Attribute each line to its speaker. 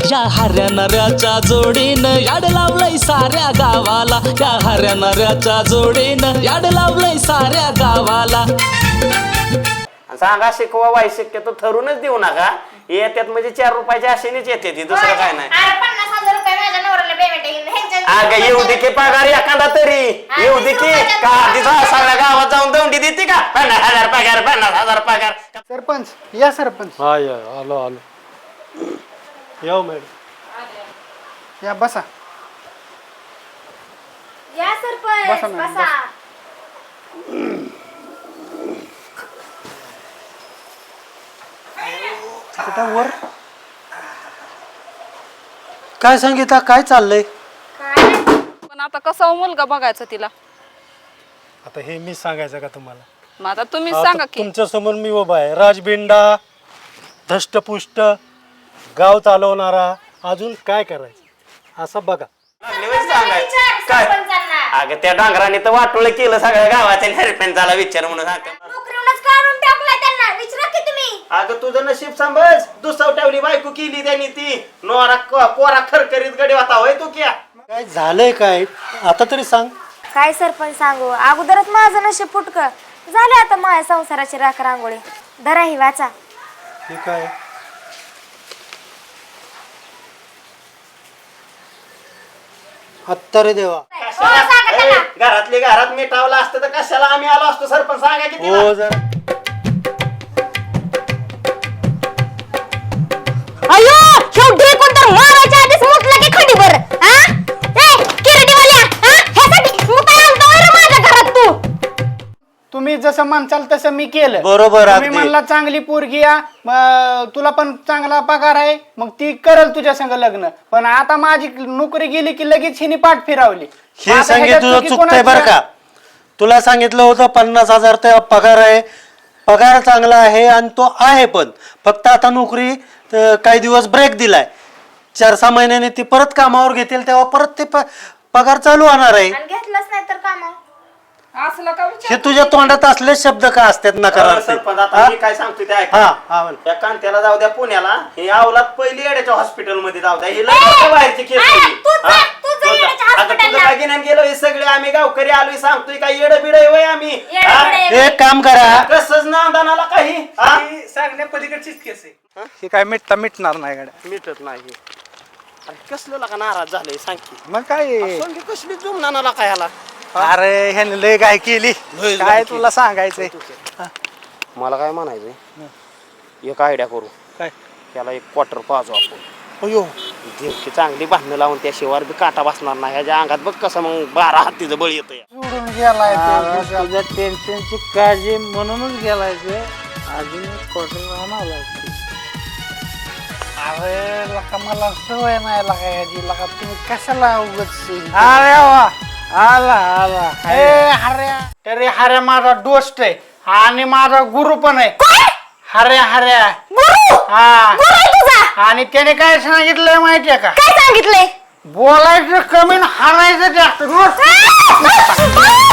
Speaker 1: या हऱ्या नऱ्याच्या जोडीनं याड लावलंय साऱ्या गावाला, या हऱ्या नऱ्याच्या जोडीनं याड लावलंय साऱ्या गावाला.
Speaker 2: सांगा शिकवा बाई, शक्यतो ठरूनच देऊ नका. येतात म्हणजे 4 रुपयाच्या आशेनेच येते ती, दुसरं काय नाही. अगं येऊ दे की पगार एखादा तरी, येऊ दे की का सगळ्या गावात जाऊन दौंडी देते का? 50,000 पगार, 50,000 पगार.
Speaker 3: सरपंच या सरपंच.
Speaker 4: हा या आलो आलो. येऊ मॅडम.
Speaker 3: या बसा.
Speaker 5: या सरपंच
Speaker 3: बसा मॅडम,
Speaker 5: बसा.
Speaker 3: तिथं वर
Speaker 4: काय सांगितलं, काय चाललंय?
Speaker 6: पण आता कसा मुलगा बघायचा तिला?
Speaker 4: आता हे मी सांगायचं का तुम्हाला?
Speaker 6: मग आता तुम्ही सांगा की.
Speaker 4: तुमच्या समोर मी उभा आहे, राजबिंडा, धष्टपुष्ट, गाव चालवणारा, अजून काय करायचं असं बघा.
Speaker 2: काय अगं त्या डांगराने तर वाटोळ केलं सगळ्या गावाच्या सरपंचाला विचार म्हणून सांगतो.
Speaker 5: नोकरीवरूनच काढून टाकलाय त्यांना, विचारा की तुम्ही.
Speaker 2: अगं तुझं नशीब सांभाळ, दुसवटावली बायको केली त्यांनी ती. नोरा कोरा खरखरीत गडी होता होय तू क्या?
Speaker 4: काय झालंय काय आता तरी सांग.
Speaker 5: काय सरपंच सांगू, अगोदरच माझं नशीब फुटकं झालं, आता माझ्या संसाराची राख रांगोळी. धरा ही वाचा.
Speaker 4: हे काय? आत्ता रे देवा.
Speaker 2: घरातले घरात मिटावलं असतं तर कशाला आम्ही आलो असतो सरपंच, सांगा की तिला.
Speaker 4: हो जरा
Speaker 5: अयो शेवटी कोण तर मारायच्या आधीच मुतला की खडीवर. ए किरडीवाल्या, ह्यासाठी मुताय आणतो रे माझ्या घरात तू.
Speaker 3: तुम्ही जसं म्हणचाल तसं मी केलं.
Speaker 4: बरोबर.
Speaker 3: तुम्ही म्हणला चांगली पोरगी या, तुला पण चांगला पगार आहे, मग ती करल तुझ्या संग लग्न. पण आता माझी नोकरी गेली की लगेच हिने पाठ फिरवली.
Speaker 4: हे सांगितलं तुझं चुकतंय बरं का. तुला सांगितलं होतं 50,000 ते पगार आहे, पगार चांगला आहे आणि तो आहे, पण फक्त आता नोकरी काही दिवस ब्रेक दिलाय. 4-6 महिन्याने ती परत कामावर घेतील तेव्हा परत ते पगार चालू होणार आहे.
Speaker 5: आणि घेतलंच नाही तर कामावर.
Speaker 6: असलं का विचार?
Speaker 4: हे तुझ्या तोंडात असले शब्द का असतात नकारार्थी?
Speaker 2: सरपंच आता मी काय सांगतोय ते ऐका.
Speaker 4: हा बोल.
Speaker 2: त्या कांत्याला जाऊ द्या पुण्याला, हे अवलाद पहिली येड्याच्या हॉस्पिटल मध्ये जाऊ द्या. ही लय बाहेरची केस होती.
Speaker 5: तू जा येड्याच्या
Speaker 2: आता तुझं काय घेण्यात गेलो, हे सगळे आम्ही गावकरी आलोय, सांगतोय काय येडं बिड वय आम्ही.
Speaker 4: एक काम करा,
Speaker 2: कसंच नांदानाला काही
Speaker 3: सांगण्या पलीकडचीच केस आहे. हे काय मिटणार नाही गाड्या.
Speaker 2: मिटत नाही. अरे कसलं का नाराज झालंय सांग की.
Speaker 3: मग काय
Speaker 2: सोंगी कसली जुमनाला काय ह्याला?
Speaker 3: अरे ह्याने लय काय केली, काय तुला सांगायचंय.
Speaker 2: मला काय म्हणायचंय, एक आयडिया करू.
Speaker 3: काय?
Speaker 2: त्याला एक क्वार्टर पाजू आपण.
Speaker 3: अयो
Speaker 2: देवकी चांगली बांधणं लावून त्याशिवाय बी काटा बसणार नाही. ह्याच्या अंगात बघ कसं मग 12 हत्तीचं बळ येतं.
Speaker 3: सोडून गेलाय तो.
Speaker 7: तुझ्या टेन्शनची काळजी म्हणूनच गेलाय ते. अजून क्वार्टर आणावं.
Speaker 3: अरे लका मला सवय नाही लका याची. लका तुम्ही कशाला उगत.
Speaker 7: अरे वा, आला आला.
Speaker 3: अरे हऱ्या माझा दोस्त आहे आणि माझा गुरु पण आहे. हऱ्या
Speaker 5: गुरु
Speaker 3: हा.
Speaker 5: गुरु आहे तुझा.
Speaker 3: आणि त्याने काय सांगितलंय माहितीये का?
Speaker 5: काय सांगितलंय?
Speaker 3: बोलायचं कमी आणि हाणायचं जास्त. रोज